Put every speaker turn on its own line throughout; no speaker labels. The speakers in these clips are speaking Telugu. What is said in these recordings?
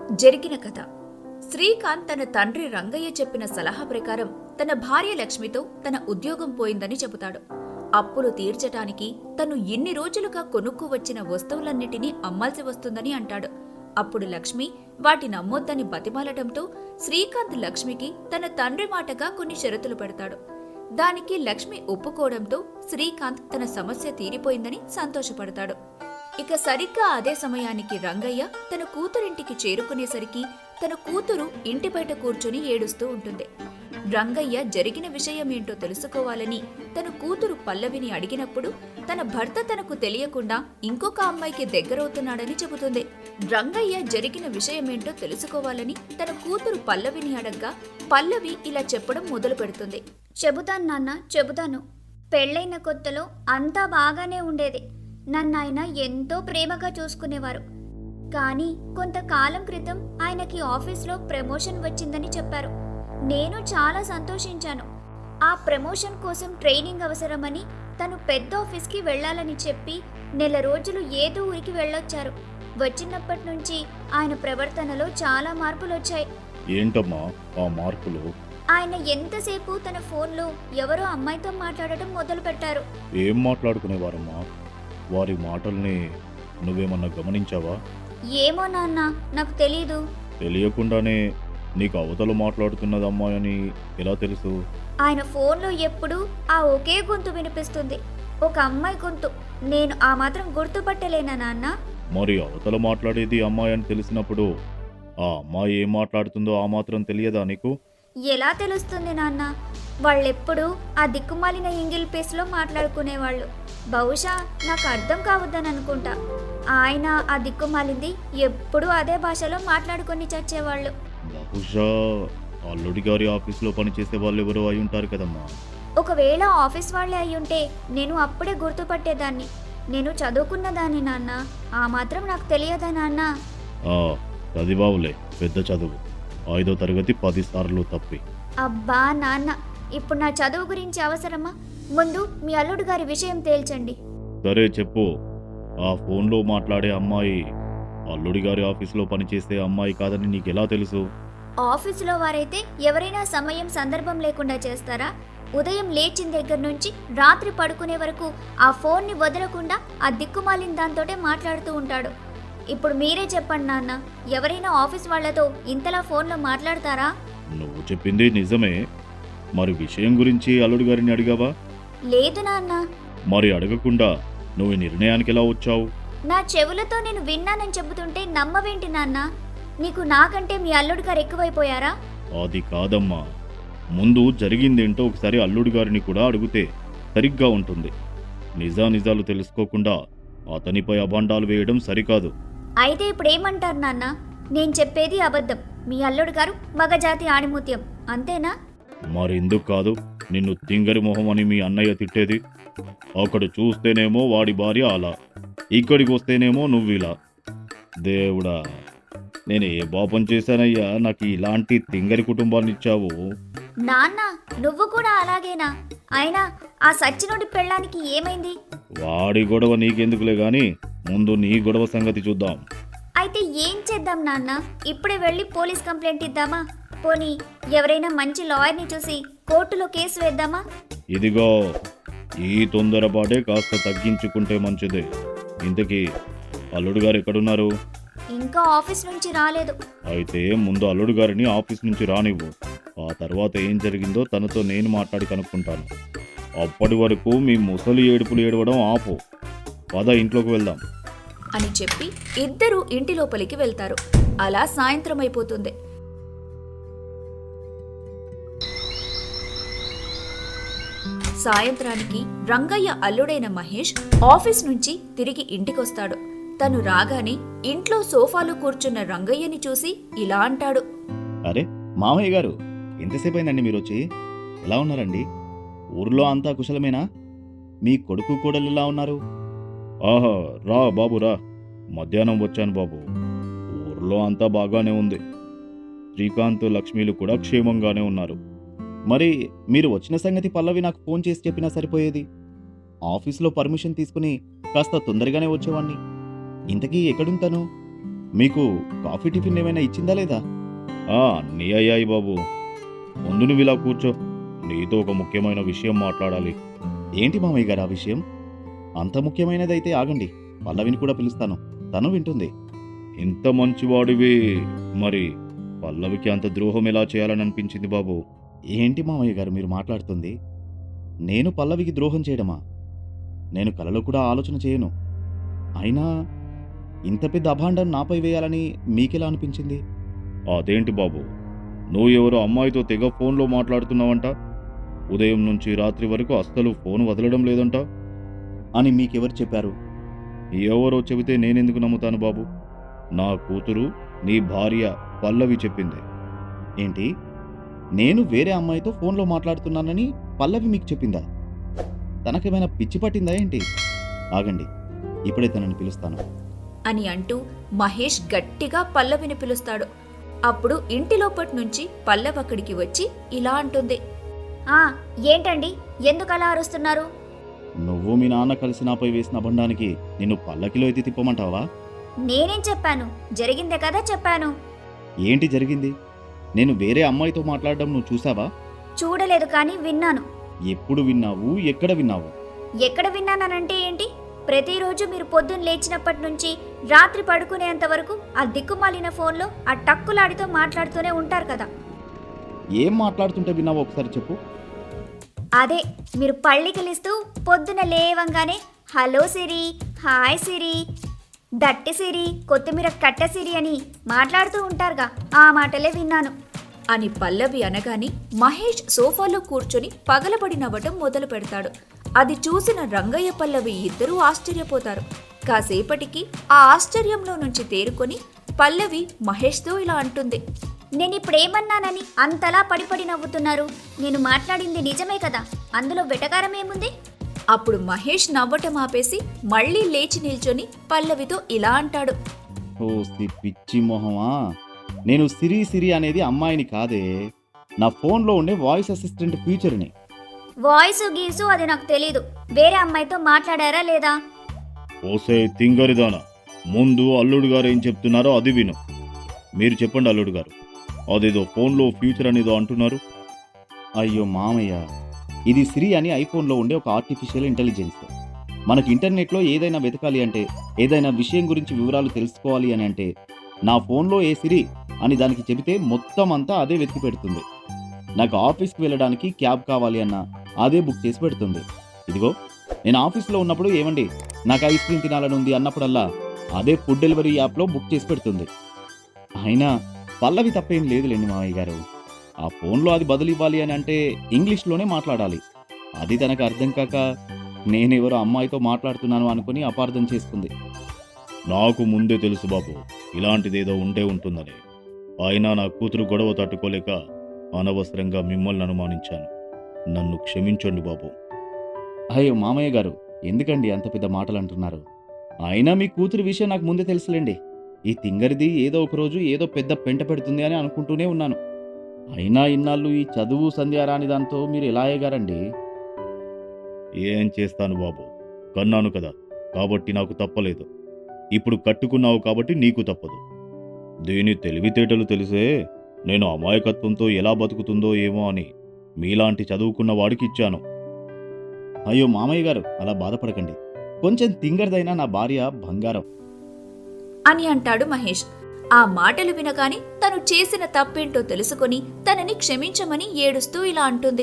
జరిగిన కథ. శ్రీకాంత్ తన తండ్రి రంగయ్య చెప్పిన సలహా ప్రకారం తన భార్య లక్ష్మితో తన ఉద్యోగం పోయిందని చెబుతాడు. అప్పులు తీర్చటానికి తను ఇన్ని రోజులుగా కొనుక్కు వచ్చిన వస్తువులన్నిటినీ అమ్మాల్సి వస్తుందని అంటాడు. అప్పుడు లక్ష్మి వాటి నమ్మొద్దని బతిమాలటంతో శ్రీకాంత్ లక్ష్మికి తన తండ్రి మాటగా కొన్ని షరతులు పెడతాడు. దానికి లక్ష్మి ఒప్పుకోవడంతో శ్రీకాంత్ తన సమస్య తీరిపోయిందని సంతోషపడతాడు. ఇక సరిగ్గా అదే సమయానికి రంగయ్య తన కూతురింటికి చేరుకునేసరికి తన కూతురు ఇంటి బయట కూర్చొని ఏడుస్తూ ఉంటుంది. రంగయ్య జరిగిన విషయమేంటో తెలుసుకోవాలని తన కూతురు పల్లవిని అడిగినప్పుడు తన భర్త తనకు తెలియకుండా ఇంకొక అమ్మాయికి దగ్గరవుతున్నాడని చెబుతుంది. రంగయ్య జరిగిన విషయమేంటో తెలుసుకోవాలని తన కూతురు పల్లవిని అడగ్గా పల్లవి ఇలా చెప్పడం మొదలు పెడుతుంది.
చెబుతాను నాన్న, చెబుతాను. పెళ్ళైన కొత్తలో అంతా బాగానే ఉండేది. నన్నాయన ఎంతో ప్రేమగా చూసుకునేవారు. కానీ కొంతకాలం క్రితం ఆయనకి ఆఫీస్లో ప్రమోషన్ వచ్చిందని చెప్పారు. నేను చాలా సంతోషించాను. ఆ ప్రమోషన్ కోసం ట్రైనింగ్ అవసరమని తను పెద్ద ఆఫీస్కి వెళ్ళాలని చెప్పి నెల రోజులు ఏదో ఊరికి వెళ్ళొచ్చారు. వచ్చినప్పటి నుంచి ఆయన ప్రవర్తనలో చాలా మార్పులు వచ్చాయి.
ఏంటమ్మా ఆ మార్పులు?
ఆయన ఎంతసేపు తన ఫోన్లో ఎవరో అమ్మాయితో మాట్లాడటం మొదలు పెట్టారు.
ఏం మాట్లాడుకునేవారమ్మా? వారి మాటల్ని నువ్వేమన్నా గమనించావా?
ఏమో నాన్న, నాకు తెలీదు.
తెలియకుండానే నీకు అవతల మాట్లాడుతున్నది అమ్మాయని ఎలా తెలుసు?
ఆయన ఫోన్లో ఎప్పుడూ ఆ ఒకే గొంతు వినిపిస్తుంది, ఒక అమ్మాయి గొంతు. నేను ఆ మాత్రం గుర్తుపట్టలేనా నాన్న?
మరి అవతల మాట్లాడేది అమ్మాయి అని తెలిసినప్పుడు ఆ అమ్మాయి ఏం మాట్లాడుతుందో ఆ మాత్రం తెలియదా నీకు?
ఎలా తెలుస్తుంది నాన్న? వాళ్ళెప్పుడు ఆ దిక్కుమాలిన ఇంగిల్ పేస్లో మాట్లాడుకునేవాళ్ళు. బహుశా నాకు అర్థం కావద్దని అనుకుంటా. ఆయన ఆ దిక్కుమాలింది ఎప్పుడూ అదే భాషలో మాట్లాడుకొని చచ్చేవాళ్ళు.
బహుశా అల్లుడి గారి ఆఫీస్లో పనిచేసే వాళ్ళు ఎవరో అయి ఉంటారు కదమ్మా.
ఒకవేళ ఆఫీస్ వాళ్ళే అయ్యుంటే నేను అప్పుడే గుర్తుపట్టేదాన్ని. నేను చదువుకున్నదాన్ని నాన్న, ఆ మాత్రం నాకు తెలియదా నాన్న?
చదివావులే, పెద్ద చదువు. 5వ తరగతి 10 సార్లు తప్పి.
అబ్బా నాన్న, ఇప్పుడు నా చదువు గురించి అవసరమా? ముందు మీ అల్లుడు గారి విషయం తేల్చండి.
సరే చెప్పు. ఆ ఫోన్లో మాట్లాడే అమ్మాయి అల్లుడి గారి ఆఫీసులో పనిచేసే అమ్మాయి కాదని నీకెలా తెలుసు?
ఆఫీసులో వారైతే ఎవరైనా సమయం సందర్భం లేకుండా చేస్తారా? ఉదయం లేచిన దగ్గర నుంచి రాత్రి పడుకునే వరకు ఆ ఫోన్ని వదలకుండా ఆ దిక్కుమాలిన దాంతోటే మాట్లాడుతూ ఉంటాడు. ఇప్పుడు మీరే చెప్పండి నాన్న, ఎవరైనా ఆఫీస్ వాళ్లతో ఇంతలా ఫోన్లో మాట్లాడతారా?
నువ్వు చెప్పింది నిజమే. మరి విషయం గురించి అల్లుడి గారిని అడిగావా?
లేదు నాన్న.
మరి అడగకుండా నువ్వు ఈ నిర్ణయానికి ఎలా వచ్చావు?
నా చెవులతో నేను విన్నానని చెబుతుంటే నమ్మవేంటి నాన్న? నీకు నాకంటే మీ అల్లుడు గారు ఎక్కువైపోయారా?
అది కాదమ్మా, ముందు జరిగిందేంటో ఒకసారి అల్లుడి గారిని కూడా అడిగితే సరిగ్గా ఉంటుంది. నిజానిజాలు తెలుసుకోకుండా అతనిపై అభాండాలు వేయడం సరికాదు.
అయితే ఇప్పుడు ఏమంటారు నాన్న? నేను చెప్పేది అబద్ధం, మీ అల్లుడు గారు మగజాతి ఆణిముత్యం, అంతేనా?
మరెందుకు కాదు నిన్ను తింగరి మొహం అని మీ అన్నయ్య తిట్టేది? అక్కడ చూస్తేనేమో వాడి భార్య అలా, ఇక్కడికి వస్తేనేమో నువ్విలా. దేవుడా, నేను ఏ పాపం చేశానయ్యా నాకు ఇలాంటి తింగరి కుటుంబాన్ని ఇచ్చావు?
నాన్న, నువ్వు కూడా అలాగేనా? అయినా ఆ సచ్చినోడి పెళ్ళానికి ఏమైంది?
వాడి గొడవ నీకెందుకులే గాని ముందు నీ గొడవ సంగతి చూద్దాం.
అయితే ఏం చేద్దాం నాన్న? ఇప్పుడే వెళ్ళి పోలీస్ కంప్లైంట్ ఇద్దామా? పోనీ ఎవరైనా మంచి లాయర్ని చూసి కోర్టులో కేసు వేద్దామా?
ఇదిగో, ఈ తొందరపాటే కాస్త తగ్గించుకుంటే మంచిదే. ఇంతకీ అల్లుడు గారు ఎక్కడున్నారు?
ఇంకా ఆఫీస్ నుంచి రాలేదు.
అయితే ముందు అల్లుడు గారిని ఆఫీస్ నుంచి రానివ్వు. ఆ తర్వాత ఏం జరిగిందో తనతో నేను మాట్లాడి కనుక్కుంటాను. అప్పటి వరకు మీ ముసలి ఏడుపులు ఏడవడం ఆపు. పద ఇంట్లోకి వెళ్దాం
అని చెప్పి ఇద్దరూ ఇంటి లోపలికి వెళ్తారు. అలా సాయంత్రం అయిపోతుంది. సాయంత్రానికి రంగయ్య అల్లుడైన మహేష్ ఆఫీస్ నుంచి తిరిగి ఇంటికొస్తాడు. తను రాగానే ఇంట్లో సోఫాలో కూర్చున్న రంగయ్యని చూసి ఇలా అంటాడు.
అరే మామయ్య గారు, ఎంతసేపు అయిందండి మీరు వచ్చి? ఎలా ఉన్నారండి? ఊర్లో అంతా కుశలమేనా? మీ కొడుకు కోడలు ఎలా ఉన్నారు?
ఆహా, రా బాబు రా. మధ్యాహ్నం వచ్చాను బాబు. ఊర్లో అంతా బాగానే ఉంది. శ్రీకాంత్ లక్ష్మీలు కూడా క్షేమంగానే ఉన్నారు.
మరి మీరు వచ్చిన సంగతి పల్లవి నాకు ఫోన్ చేసి చెప్పినా సరిపోయేది. ఆఫీసులో పర్మిషన్ తీసుకుని కాస్త తొందరగానే వచ్చేవాణ్ణి. ఇంతకీ ఎక్కడుంటాను? మీకు కాఫీ టిఫిన్ ఏమైనా ఇచ్చిందా లేదా?
అన్నీ అయ్యాయి బాబు. ముందు నువ్వు ఇలా కూర్చో, నీతో ఒక ముఖ్యమైన విషయం మాట్లాడాలి.
ఏంటి మామయ్య గారు ఆ విషయం? అంత ముఖ్యమైనదైతే ఆగండి, పల్లవిని కూడా పిలుస్తాను, తను వింటుంది.
ఇంత మంచివాడివి, మరి పల్లవికి అంత ద్రోహం ఎలా చేయాలని అనిపించింది బాబు?
ఏంటి మామయ్య గారు మీరు మాట్లాడుతుంది? నేను పల్లవికి ద్రోహం చేయడమా? నేను కలలో కూడా ఆలోచన చేయను. అయినా ఇంత పెద్ద అభాండం నాపై వేయాలని మీకెలా అనిపించింది?
అదేంటి బాబు, నువ్వు ఎవరో అమ్మాయితో తెగ ఫోన్లో మాట్లాడుతున్నావంట, ఉదయం నుంచి రాత్రి వరకు అస్సలు ఫోన్ వదలడం లేదంట
అని మీకెవరు చెప్పారు?
ఎవరో చెబితే నేనెందుకు నమ్ముతాను బాబు? నా కూతురు, నీ భార్య పల్లవి చెప్పింది.
ఏంటి, నేను వేరే అమ్మాయితో ఫోన్లో మాట్లాడుతున్నానని పల్లవి మీకు చెప్పిందా? తనకేమైనా పిచ్చి పట్టిందా ఏంటి? ఆగండి, ఇప్పుడే తనని పిలుస్తాను
అని అంటూ మహేష్ గట్టిగా పల్లవిని పిలుస్తాడు. అప్పుడు ఇంటి లోపటి నుంచి పల్లవి అక్కడికి వచ్చి ఇలా అంటుంది.
ఏంటండి, ఎందుకు అలా అరుస్తున్నారు?
నువ్వు మీ నాన్న కలిసి నాపై వేసిన అభండానికి నిన్ను పల్లకిలో ఎత్తి తిప్పమంటావా?
నేనేం చెప్పాను? జరిగిందే కదా చెప్పాను.
ఏంటి జరిగింది? నేను వేరే అమ్మాయితో మాట్లాడడం నువ్వు చూసావా?
చూడలేదు, కానీ విన్నాను.
ఎప్పుడు విన్నావు? ఎక్కడ విన్నావు?
ఎక్కడ విన్నానంటే ఏంటి? ప్రతిరోజు మీరు పొద్దున్న లేచినప్పటి నుంచి రాత్రి పడుకునేంత వరకు ఆ దిక్కుమాలిన ఫోన్లో ఆ టక్కులాడితో మాట్లాడుతూనే ఉంటారు కదా.
ఏం మాట్లాడుతుంటే విన్నావో ఒకసారి చెప్పు.
అదే, మీరు పళ్ళికిలిస్తూ పొద్దున లేవంగానే హలో సిరి, హాయ్ సిరి, దట్టి సిరి, కొత్తిమీర కట్ట సిరి అని మాట్లాడుతూ ఉంటారుగా, ఆ మాటలే విన్నాను
అని పల్లవి అనగానే మహేష్ సోఫాలో కూర్చొని పగలబడి నవ్వటం మొదలు పెడతాడు. అది చూసిన రంగయ్య పల్లవి ఇద్దరూ ఆశ్చర్యపోతారు. కాసేపటికి ఆ ఆశ్చర్యంలో నుంచి తేరుకొని పల్లవి మహేష్తో ఇలా అంటుంది.
నేనిప్పుడేమన్నానని అంతలా పడిపడి నవ్వుతున్నారు? నేను మాట్లాడింది నిజమే కదా, అందులో వెటకారం ఏముంది?
అప్పుడు మహేష్ నవ్వటం ఆపేసి మళ్ళీ లేచి నిల్చొని పల్లవితో ఇలా అంటాడు.
ఓ పిచ్చి మొహమా, నేను సిరి సిరి అనేది అమ్మాయిని కాదే, నా ఫోన్లో ఉండే వాయిస్ అసిస్టెంట్ ఫీచర్ని.
వాయిస్ గీసు అది నాకు తెలీదు. వేరే అమ్మాయితో మాట్లాడారా లేదా?
ఓసే తింగరిదానా, ముందు అల్లుడు గారు ఏం చెప్తున్నారో అది విను. మీరు చెప్పండి అల్లుడు గారు, అదేదో ఫోన్లో ఫ్యూచర్ అనేదో అంటున్నారు.
అయ్యో మామయ్య, ఇది సిరి అని ఐఫోన్లో ఉండే ఒక ఆర్టిఫిషియల్ ఇంటెలిజెన్స్. మనకి ఇంటర్నెట్లో ఏదైనా వెతకాలి అంటే, ఏదైనా విషయం గురించి వివరాలు తెలుసుకోవాలి అని అంటే, నా ఫోన్లో ఏ సిరి అని దానికి చెబితే మొత్తం అంతా అదే వెతికి పెడుతుంది. నాకు ఆఫీస్కి వెళ్ళడానికి క్యాబ్ కావాలి అన్నా అదే బుక్ చేసి పెడుతుంది. ఇదిగో, నేను ఆఫీస్లో ఉన్నప్పుడు ఏమండి నాకు ఐస్ క్రీమ్ తినాలని ఉంది అన్నప్పుడల్లా అదే ఫుడ్ డెలివరీ యాప్లో బుక్ చేసి పెడుతుంది. అయినా పల్లవి తప్పేం లేదులేండి మామయ్య గారు. ఆ ఫోన్లో అది బదులు ఇవ్వాలి అని అంటే ఇంగ్లీష్లోనే మాట్లాడాలి. అది తనకు అర్థం కాక నేనెవరో అమ్మాయితో మాట్లాడుతున్నాను అనుకుని అపార్థం చేసుకుంది.
నాకు ముందే తెలుసు బాబు, ఇలాంటిదేదో ఉంటే ఉంటుందని. అయినా నా కూతురు గొడవ తట్టుకోలేక అనవసరంగా మిమ్మల్ని అనుమానించాను. నన్ను క్షమించండి బాబు.
అయ్యో మామయ్య గారు, ఎందుకండి అంత పెద్ద మాటలు అంటున్నారు? అయినా మీ కూతురు విషయం నాకు ముందే తెలుసులేండి. ఈ తింగరిది ఏదో ఒక రోజు ఏదో పెద్ద పెంట పెడుతుంది అని అనుకుంటూనే ఉన్నాను. అయినా ఇన్నాళ్ళు ఈ చదువు సంధ్య రాని దాంతో మీరు ఎలా అయ్యగారండి?
ఏం చేస్తాను బాబు, కన్నాను కదా, కాబట్టి నాకు తప్పలేదు. ఇప్పుడు కట్టుకున్నావు కాబట్టి నీకు తప్పదు. దీని తెలివితేటలు తెలిసే నేను అమాయకత్వంతో ఎలా బతుకుతుందో ఏమో అని మీలాంటి చదువుకున్న వాడికి ఇచ్చాను.
అయ్యో మామయ్య గారు, అలా బాధపడకండి. కొంచెం తింగరదైనా నా భార్య బంగారం
అని అంటాడు మహేష్. ఆ మాటలు వినగానే తను చేసిన తప్పేంటో తెలుసుకొని తనని క్షమించమని ఏడుస్తూ ఇలా అంటుంది.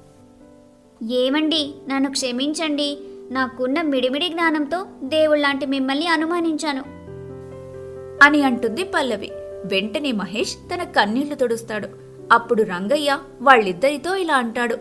ఏమండి, నన్ను క్షమించండి. నాకున్న మిడిమిడి జ్ఞానంతో దేవుళ్లాంటి మిమ్మల్ని అనుమానించాను
అని అంటుంది పల్లవి. వెంటనే మహేష్ తన కన్నీళ్లు తుడుస్తాడు. అప్పుడు రంగయ్య వాళ్ళిద్దరితో ఇలా అంటాడు.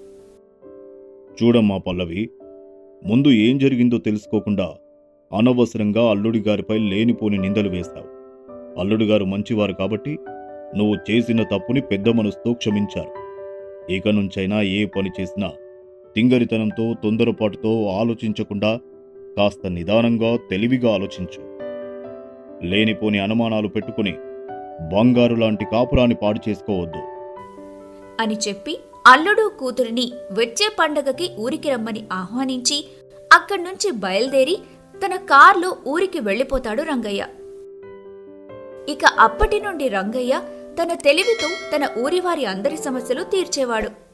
చూడమ్మా పల్లవి, ముందు ఏం జరిగిందో తెలుసుకోకుండా అనవసరంగా అల్లుడి గారిపై లేనిపోని నిందలు వేశావు. అల్లుడు గారు మంచివారు కాబట్టి నువ్వు చేసిన తప్పుని పెద్ద మనసుతో క్షమించారు. ఇక నుంచైనా ఏ పని చేసినా తింగరితనంతో తొందరపాటుతో ఆలోచించకుండా కాస్త నిదానంగా తెలివిగా ఆలోచించు. లేనిపోని అనుమానాలు పెట్టుకుని బంగారు లాంటి కాపురాన్ని పాడు చేసుకోవద్దు
అని చెప్పి అల్లుడు కూతురిని వచ్చే పండగకి ఊరికి రమ్మని ఆహ్వానించి అక్కడ్నుంచి బయలుదేరి తన కార్లో ఊరికి వెళ్ళిపోతాడు రంగయ్య. ఇక అప్పటి నుండి రంగయ్య తన తెలివితో తన ఊరివారి అందరి సమస్యలు తీర్చేవాడు.